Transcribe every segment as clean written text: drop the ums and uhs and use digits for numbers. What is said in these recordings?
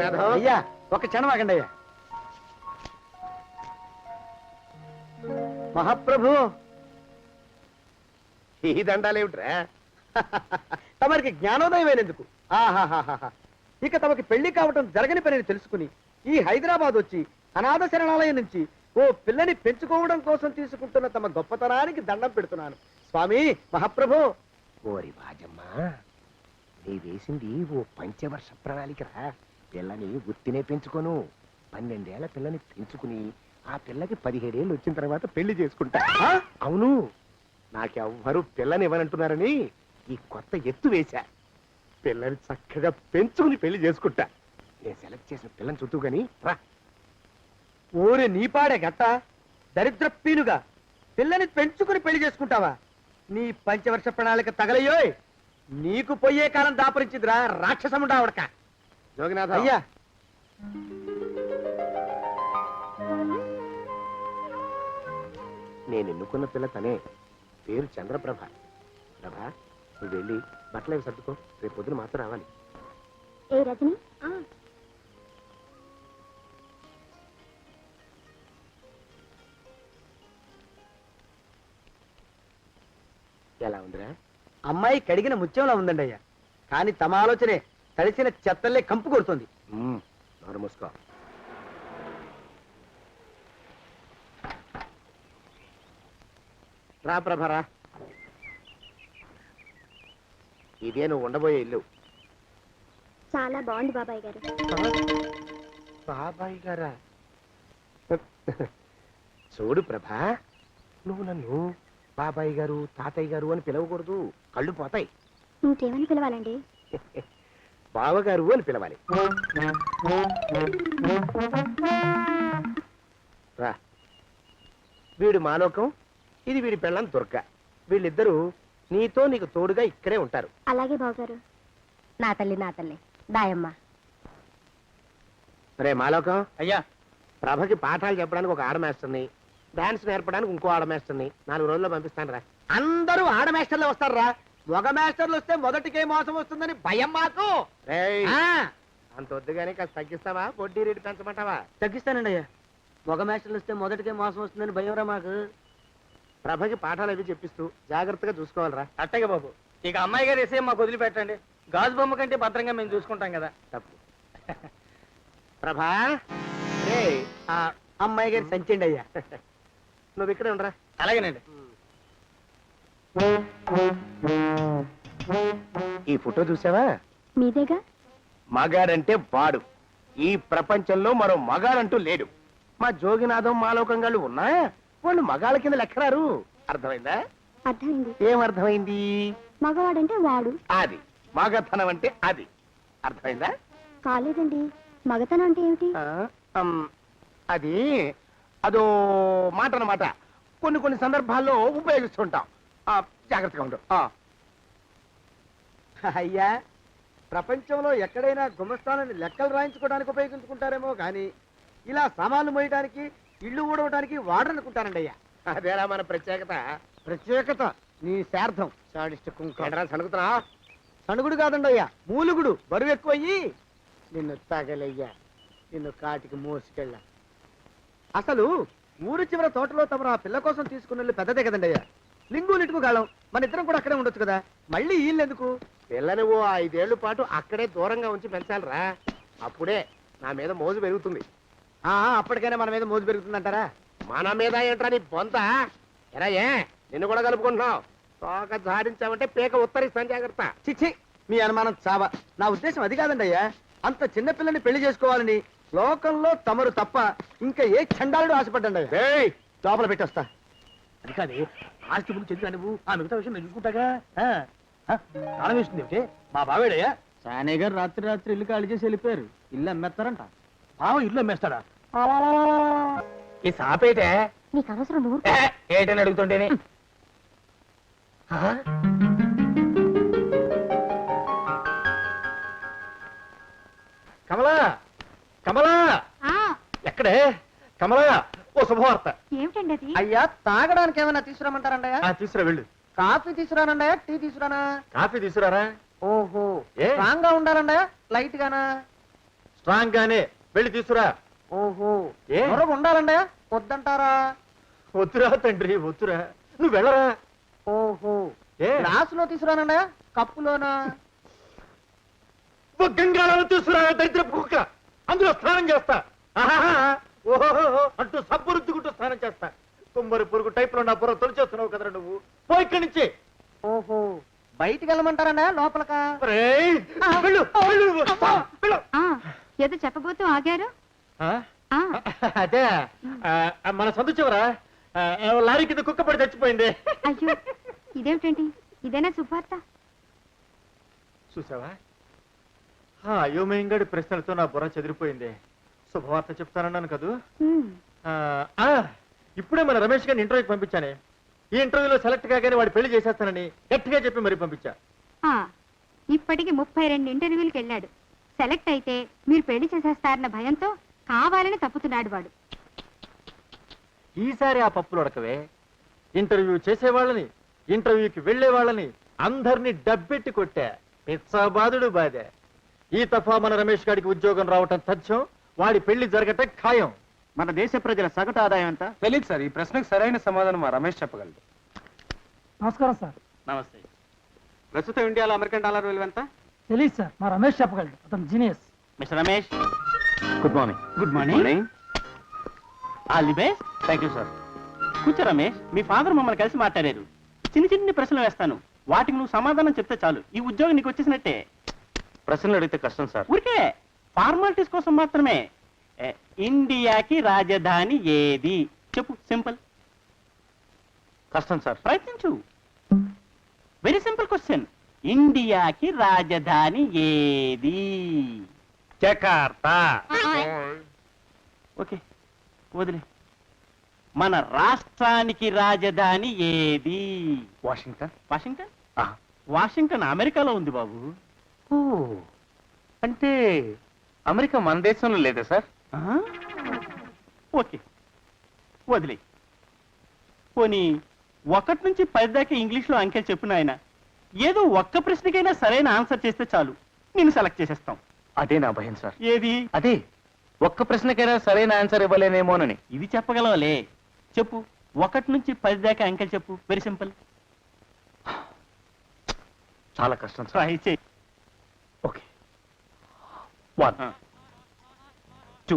జగన్నాథం అయ్యా ఒక క్షణం ఆగండి అయ్యా. మహాప్రభు ఈ దండాలేమిట్రా? తమరికి జ్ఞానోదయం అయినందుకు ఆహాహాహా. ఇక తమకి పెళ్లి కావటం జరగని పనిని తెలుసుకుని ఈ హైదరాబాద్ వచ్చి అనాథ శరణాలయం నుంచి ఓ పిల్లని పెంచుకోవడం కోసం తీసుకుంటున్న తమ గొప్పతనానికి దండం పెడుతున్నాను స్వామి మహాప్రభు. ఓరి బాజమ్మా, నీ వేసింది ఓ పంచవర్ష ప్రణాళికరా. పిల్లని గుర్తినే పెంచుకోను, 12 ఏళ్ల పిల్లని పెంచుకుని ఆ పిల్లకి 17 ఏళ్ళు వచ్చిన తర్వాత పెళ్లి చేసుకుంటా. అవును, నాకెవ్వరూ పిల్లని ఇవ్వనంటున్నారని ఈ కొత్త ఎత్తు వేశా. పిల్లని చక్కగా పెంచుకుని పెళ్లి చేసుకుంటా. నేను సెలెక్ట్ చేసిన పిల్లని చుట్టూ గాని రా. ఓరే నీపాడే గట్ట దరిద్ర పీనుగా పిల్లని పెంచుకుని పెళ్లి చేసుకుంటావా? నీ పంచవర్ష ప్రణాళిక తగలయ్యోయ్. నీకు పోయే కాలం దాపరించిందిరా రాక్షసముడా ఉడక. జోగినాథ అయ్యా నేను ఎన్నుకున్న పిల్ల తనే, పేరు చంద్రప్రభ. ప్రభ, నువ్వు వెళ్ళి బట్టలు అవి సర్దుకో, రేపు పొద్దున మాత్రం రావాలి. ఏ రజని, ఎలా ఉందిరా? అమ్మాయి కడిగిన ముత్యంలా ఉందండి అయ్యా. కానీ తమ ఆలోచనే తడిసిన చెత్తల్లే కంపు కొడుతుంది. నోరు మూసుకో. రా ప్రభరా, ఇదే నువ్వు ఉండబోయే ఇల్లు. చాలా బాగుంది బాబాయ్ గారు. బాబాయ్ గారా? చూడు ప్రభా, నువ్వు నన్ను బాబాయ్ గారు తాతయ్య గారు అని పిలవకూడదు, కళ్ళు పోతాయి. ఇంకేమని పిలవాలండి? బావగారు అని పిలవాలి. రా, వీడు మాలోకం, ఇది వీడి పెళ్ళం దుర్గ. వీళ్ళిద్దరూ నీతో నీకు తోడుగా ఇక్కడే ఉంటారు. అలాగే బావగారు. నా తల్లి నా తల్లి దాయమ్మ. రే మాలోకం, అయ్యా ప్రభకి పాఠాలు చెప్పడానికి ఒక ఆడమేస్టర్ని, డాన్స్ నేర్పడానికి ఇంకో ఆడమేస్టర్ని 4 రోజుల్లో పంపిస్తాను రా. అందరూ ఆడ మాస్టర్లు వస్తారా? మగ మాస్టర్లు వస్తే మొదటికే మోసం వస్తుందని భయం మాకు. రేయ్, ఆ, అంత వద్దుగానే కాస్త తగ్గిస్తావా? వడ్డీ రేటు పెంచమంటావా? తగ్గిస్తానండి అయ్యా. మగ మాస్టర్లు వస్తే మొదటికే మోసం వస్తుందని భయం రా మాకు. ప్రభకి పాఠాలు అవి చెప్పిస్తూ జాగ్రత్తగా చూసుకోవాలరా. అట్టగే బాబు. ఇక అమ్మాయి గారు వేసే మాకు వదిలిపెట్టండి. గాజు బొమ్మ కంటే భద్రంగా మేము చూసుకుంటాం కదా. తప్పు. ప్రభా, రే ఆ అమ్మాయి గారి సంచండి అయ్యా. నువ్వు ఇక్కడే ఉండరా. అలాగేనండి. ఈ ఫోటో చూసావా? మీదేగా. మగాడంటే వాడు. ఈ ప్రపంచంలో మరో మగాడంటూ లేడు. మా జోగినాథం మాలోకంగాళ్ళు ఉన్నా వాళ్ళు మగాళ్ళ కింద లెక్కరారు. అర్థమైందా? అర్థమైంది. ఏం అర్థమైంది? మగవాడంటే వాడు. అది మగతనం అంటే అది. అర్థమైందా? కాలేదండి. మగతనం అంటే ఏమిటి? అది అదో మాట అన్నమాట. కొన్ని సందర్భాల్లో ఉపయోగిస్తుంటాం. జాగ్రత్తగా ఉండు. అయ్యా, ప్రపంచంలో ఎక్కడైనా గుమస్థానాన్ని లెక్కలు రాయించుకోవడానికి ఉపయోగించుకుంటారేమో కానీ ఇలా సామాన్లు మోయడానికి ఇల్లు ఊడవడానికి వాడరనుకుంటానండి అయ్యా. అదేరా మన ప్రత్యేకత. ప్రత్యేకత నీ శార్థం. సణుకుతున్నా? సణుగుడు కాదండి అయ్యా, మూలుగుడు. బరువు ఎక్కువయ్యి నిన్ను తగలయ్యా, నిన్ను కాటికి మోసుకెళ్ళా. అసలు ఊరు చివర తోటలో తమరు ఆ పిల్ల కోసం తీసుకున్న పెద్దదే కదండి అయ్యా. లింగు లిటుకు గాలం. మన ఇద్దరం కూడా అక్కడే ఉండొచ్చు కదా. మళ్ళీ వీళ్ళెందుకు? పిల్లని ఓ 5 ఏళ్ల పాటు అక్కడే దూరంగా ఉంచి పెంచాలిరా. అప్పుడే నా మీద మోజు పెరుగుతుంది. అప్పటికైనా మన మీద మోజు పెరుగుతుందంటారా? మన మీద ఏంట్రా నీ బొంత? ఎరా, ఏ నిన్ను కూడా కలుపుకుంటున్నావు? తోక జాడించావంటే పీక ఉత్తరిస్తాను, జాగ్రత్త. చిచ్చి, మీ అనుమానం చావా. నా ఉద్దేశం అది కాదండి అయ్యా. అంత చిన్న పిల్లని పెళ్లి చేసుకోవాలని లోకంలో తమరు తప్ప ఇంకా ఏ చండాలుడు ఆశపడ్డండి అయ్యా. లోపల పెట్టొస్తా. అది కాదు, ఆస్తి ముందు చెందుగా నువ్వు ఆ మిగతా విషయం నేను చూసుకుంటాగా. తాళం వేస్తుంది ఏమిటి? మా బావేడయ్యా. సానే గారు రాత్రి ఇల్లు ఖాళీ చేసి వెళ్ళిపోయారు. ఇల్లు అమ్మేస్తారంట. బావ ఇల్లు అమ్మేస్తాడా? ఈ సాపేటే నీకు అవసరం. నువ్వు ఏటని అడుగుతుంటేనే. కమలా, కమలా, ఎక్కడే కమలా? ఓ శుభవార్త. ఏమిటండి అది? అయ్యా, తాగడానికి ఏమైనా తీసుకురామంటారండయ్యా? తీసుకురా వెళ్ళు. కాఫీ తీసుకురానండయ్యా, టీ తీసుకురానా? కాఫీ తీసుకురారా. ఓహో, ఏ? స్ట్రాంగ్ గా ఉండాలండయ్యా, లైట్ గానా? స్ట్రాంగ్ గానే వెళ్ళి తీసుకురా. ఓహో ఏ? మరొక ఉండాలండి వద్దంటారా? వద్దురా తండ్రి వద్దురా, నువ్వు వెళ్ళరా. ఓహో ఏ గ్లాసులో తీసుకురానండి కప్పులోనా? ఓ గంగాళాలు తీసుకురా దరిద్రపు కుక్క, అందులో స్నానం చేస్తా. ఆహాహా, ఓహో అంటూ సబ్బు రుద్దుకుంటూ స్నానం చేస్తా. తుమ్మరి పురుగు టైప్ లో నా బుర్ర తొలిచేస్తున్నావు కదరా నువ్వు. పో ఇక్కడి నుంచి. ఓహో బయటికి వెళ్ళమంటారండి లోపలకా? ఒరేయ్, వెళ్ళు, వెళ్ళు, వెళ్ళు. ఏదో చెప్పబోతూ ఆగారు. ఆ? అదే మన సందు చివరా లారీ కింద కుక్క పడి చచ్చిపోయింది. అయ్యో ఇదేమిటండి, ఇదేనా శుభార్త? చూసావా, అయోమయంగాడి ప్రశ్నలతో నా బుర్ర చెదిరిపోయింది. శుభవార్త చెప్తానన్నాను కదూ. ఇప్పుడే మన రమేష్ గారిని ఇంటర్వ్యూకి పంపించానే. ఈ ఇంటర్వ్యూలో సెలెక్ట్ కాగానే వాడు పెళ్లి చేసేస్తానని గట్టిగా చెప్పి మరీ పంపించా. ఇప్పటికి 32 ఇంటర్వ్యూలకు వెళ్ళాడు. సెలెక్ట్ అయితే మీరు పెళ్లి చేసేస్తారన్న భయంతో కావాలని తప్పుతున్నాడు వాడు. ఈసారి ఆ పప్పులు ఉడకవే. ఇంటర్వ్యూ చేసేవాళ్ళని, ఇంటర్వ్యూకి వెళ్లే వాళ్ళని అందరినీ డబ్బెట్టి కొట్టా. పిచ్చాబాదుడు బాధే. ఈ తఫా మన రమేష్ గారికి ఉద్యోగం రావటం తథ్యం, వాడి పెళ్లి జరగటం ఖాయం. మన దేశ ప్రజల సగటు ఆదాయం ఎంత? తెలియదు సార్. ఈ ప్రశ్నకు సరైన సమాధానం మా రమేష్ చెప్పగలడు. నమస్కారం సార్. నమస్తే. ప్రస్తుతం ఇండియాలో అమెరికన్ డాలర్ విలువ ఎంత? తెలియదు సార్, మా రమేష్ చెప్పగలడు. అతను genius. Mister Ramesh, good morning. Good morning. All the best. Thank you sir. కూర్చో రమేష్, మీ ఫాదర్ మమ్మల్ని కలిసి మాట్లాడారు. చిన్న చిన్న ప్రశ్నలు వేస్తాను, వాటికి నువ్వు సమాధానం చెప్తే చాలు. ఈ ఉద్యోగం నీకు వచ్చేసినట్టే. ప్రశ్నలు అడిగితే కష్టం సార్. ఊరికే ఫార్మాలిటీస్ కోసం మాత్రమే. ఇండియాకి రాజధాని ఏది చెప్పు. సింపుల్. కష్టం సార్. ప్రయత్నించు. Very simple question. ఇండియాకి రాజధాని ఏది? జకార్తా. ఓకే వదిలే. మన రాష్ట్రానికి రాజధాని ఏది? వాషింగ్టన్. వాషింగ్టన్? వాషింగ్టన్ అమెరికాలో ఉంది బాబు. ఓ, అంటే అమెరికా మన దేశంలో లేదా సార్? ఓకే వదిలే. పోనీ 1 నుంచి 10 దాకా ఇంగ్లీష్లో అంకెలు చెప్పు నాయన. ఏదో ఒక్క ప్రశ్నకైనా సరైన ఆన్సర్ చేస్తే చాలు, నిన్ను సెలెక్ట్ చేసేస్తాం. అదే నా భయం సార్. ఏది? అదే ఒక్క ప్రశ్నకైనా సరైన ఆన్సర్ ఇవ్వలేనేమోనని. ఇది చెప్పగలవలే. చెప్పు. 1 నుంచి 10 దాకా అంకెలు చెప్పు. Very simple. చాలా కష్టం సార్. ట్రై చేయి. ఓకే. 1 2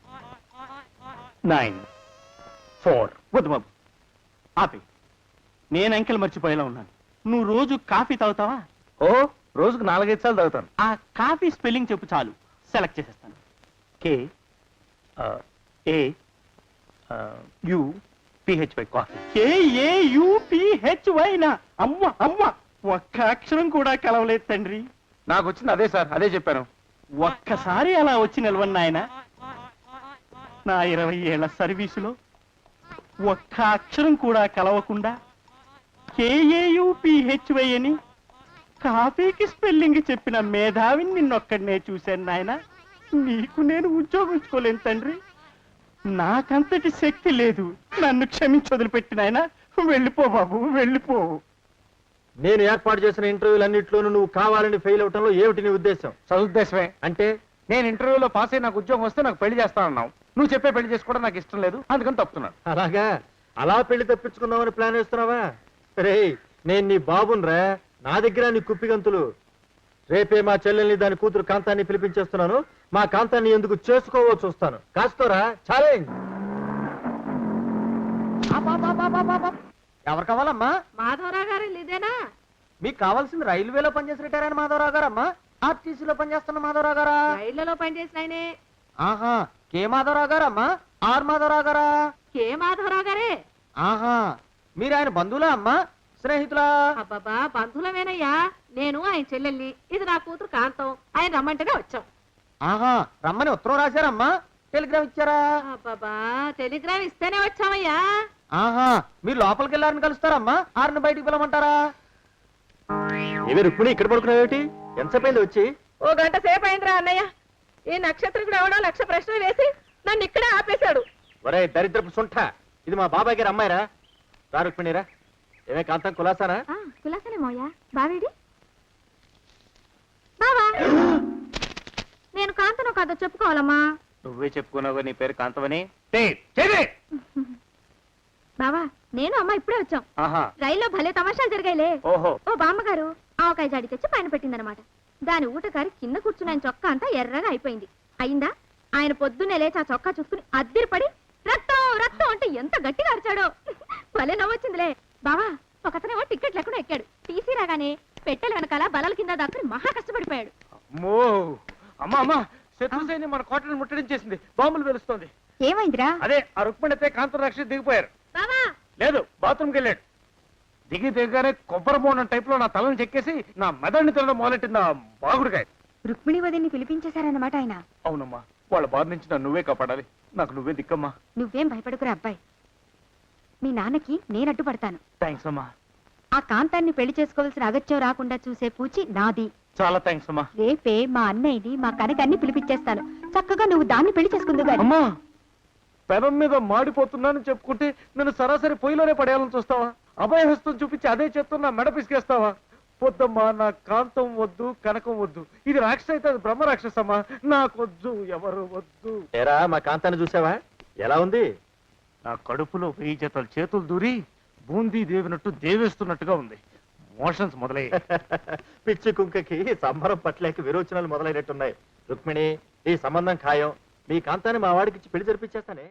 9 4. వద్దు బాబు, ఆపే. నేను అంకెలు మర్చిపోయేలా ఉన్నాను. నువ్వు రోజు కాఫీ తాగుతావా? ఓ, రోజుకు 4-5 సార్లు తాగుతాను. ఆ కాఫీ స్పెల్లింగ్ చెప్పు చాలు, సెలెక్ట్ చేసేస్తాను. KAUPHY coffee. KAUPHY నా? అమ్మ అమ్మ, ఒక్క అక్షరం కూడా కలవలేదు తండ్రి. నాకు వచ్చింది అదే సార్, అదే చెప్పాను. ఒక్కసారి అలా వచ్చి నిలవన్న ఆయన. నా 20 ఏళ్ల సర్వీసులో ఒక్క అక్షరం కూడా కలవకుండా KAUPHY అని కాఫీకి స్పెల్లింగ్ చెప్పిన మేధావిని నిన్నొక్కడనే చూశాను నాయన. నీకు నేను ఉద్యోగించుకోలేను తండ్రి. నాకంతటి శక్తి లేదు. నన్ను క్షమించి వదిలిపెట్టిన ఆయన. వెళ్ళిపో బాబు, వెళ్ళిపో. నేను ఏర్పాటు చేసిన ఇంటర్వ్యూలన్నింటిలోనూ నువ్వు కావాలని ఫెయిల్ అవటంలో ఏమిటి నీ ఉద్దేశం? సదుద్దేశమే. అంటే నేను ఇంటర్వ్యూలో పాస్ అయ్యి నాకు ఉద్యోగం వస్తే నాకు పెళ్లి చేస్తానన్నావు. నువ్వు చెప్పే పెళ్లి చేసుకోవడం నాకు ఇష్టం లేదు, అందుకని తప్పుతున్నాను. అలాగా? అలా పెళ్లి తప్పించుకుందామని ప్లాన్ వేస్తున్నావా? రే, నేను నీ బాబునరా, నా దగ్గర నీ కుప్పిగంతులు. రేపే మా చెల్లెల్ని, దాని కూతురు కాంతాన్ని పిలిపించేస్తున్నాను. మా కాంతాన్ని ఎందుకు చేసుకోవో చూస్తాను. కాస్తోరా ఛాలెంజ్. ఎవరు కావాలమ్మా? మాధవరావు గారు ఇదేనా? మీకు కావాల్సింది రైల్వేలో పనిచేసి రిటైర్ అయిన మాధవరావు గారమ్మా, ఆర్టీసీలో పనిచేస్తున్న మాధవరావు గారా? రైళ్లలో పనిచేసిన ఆయనే. ఆహా, కే మాధవరావు గారమ్మా? ఆర్ మాధవరావు గారా? కే మాధవరావు గారే. ఆహా, మీరు ఆయన బంధువులా అమ్మా, స్నేహితులా? అబ్బాబా, బంధువులమేనయ్యా. నేను ఆయన చెల్లెల్ని, ఇది నా కూతురు కాంతం. ఆయన రమ్మంటేనే వచ్చాం. ఆహా, రమ్మని ఉత్తరం రాశారమ్మా? టెలిగ్రామ్ ఇచ్చారా? అబ్బాబా, టెలిగ్రామ్ ఇస్తేనే వచ్చామయ్యా. ఆహా, మీరు లోపలికి వెళ్ళారని కలుస్తారమ్మా, ఆరుని బయటికి పిలవమంటారా? ఏమి రుక్మిణి ఇక్కడ పడుకున్నావేటి? ఎంతసేపు వచ్చి? 1 గంట సేపు అయిందిరా అన్నయ్య. ఈ నక్షత్రం ఎవడో 1,00,000 ప్రశ్నలు వేసి నన్ను ఇక్కడే ఆపేశాడు. ఒరే దరిద్రపు సుంఠ, ఇది మా బాబాయ్ గారు అమ్మాయిరా. రా రుక్మిణిరా. ఏమే కాంతం కులాసానా? కులాసనే మోయా. బావేడి బావా? నేను కాంతను కాదో చెప్పుకోవాలమ్మా. నువ్వే చెప్పుకున్నావు నీ పేరు కాంతమని. బావా నేను అమ్మ ఇప్పుడే వచ్చాం. ఆహా. రైల్లో భలే తమాషాలు జరిగాయిలే. ఓహో. ఓ బామ్మగారు ఆవకాయ జాడి తెచ్చి పైన పెట్టిందనమాట. దాని ఊటకారి కింద కూర్చుని ఆయన చొక్కా అంతా ఎర్రగా అయిపోయింది. అయిందా? ఆయన పొద్దున్నే లేచి ఆ చొక్కా చూసుకుని అద్దిరిపడి రక్తం రక్తం అంటే ఎంత గట్టిగా అరిచాడో. భలే నవ్వొచ్చిందిలే. బావా ఒకతనేమో టికెట్ లేకుండా ఎక్కాడు. టీసీ రాగానే పెట్టెల వెనకాల బలాల కింద దాక్కుని మహా కష్టపడిపోయాడు. అమ్మో. అమ్మా అమ్మా, శత్రుసేని మన కోటను ముట్టడించేసింది. బాంబులు వెలుస్తోంది. ఏమైందిరా? అదే ఆ రుక్మిణితే కాంతం రాక్షసి దిగిపోయారు. బావా లేదు, బాత్రూమ్కి వెళ్ళాడు. దిగానే కొబ్బరి బోండం టైప్ లో నా తలను చెక్కేసి నా మెదడిని తినడం మొదలెట్టింది ఆ బాగుడికాయ. రుక్మిణి వదిని పిలిపించేశారన్నమాట ఆయన. అవునమ్మా, వాళ్ళ బాధ నుంచి నన్ను నువ్వే కాపాడాలి. నాకు నువ్వే దిక్కమ్మా. నువ్వేం భయపడుకురా అబ్బాయి. మీ నాన్నకి నేను అడ్డుపడతాను. థ్యాంక్స్ అమ్మా. ఆ కాంతాన్ని పెళ్లి చేసుకోవాల్సిన అగత్యం రాకుండా చూసే పూచి నాది. చాలా థ్యాంక్స్ అమ్మా. రేపే మా అన్నయ్యని మా కనకాన్ని పిలిపించేస్తాను. చక్కగా నువ్వు దాన్ని పెళ్లి చేసుకుందు గాని. అమ్మా, పెనం మీద మాడిపోతున్నానని చెప్పుకుంటే నన్ను సరాసరి పొయ్యిలోనే పడేయాలని చూస్తావా? అభయహస్తం చూపించి అదే చేత్తో నా మెడ పిసికేస్తావా? పొద్దమ్మా, నా కాంతం వద్దు, కనకం వద్దు. ఇది రాక్షస అయితే అది బ్రహ్మ రాక్షసమ్మా. నాకొద్దు, ఎవరు వద్దు. ఏరా మా కాంతాన్ని చూసావా? ఎలా ఉంది? నా కడుపులో 1000 జతల చేతులు దూరి బూందీ దేవినట్టు దేవేస్తున్నట్టుగా ఉంది. మోషన్స్ మొదలయ్యాయి. పిచ్చి కుంకకి సంబరం పట్లేక విరోచనాలు మొదలైనట్టున్నాయి. రుక్మిణి, ఈ సంబంధం ఖాయం. మీ కాంతాన్ని మా వాడికి పెళ్లి జరిపించేస్తానే.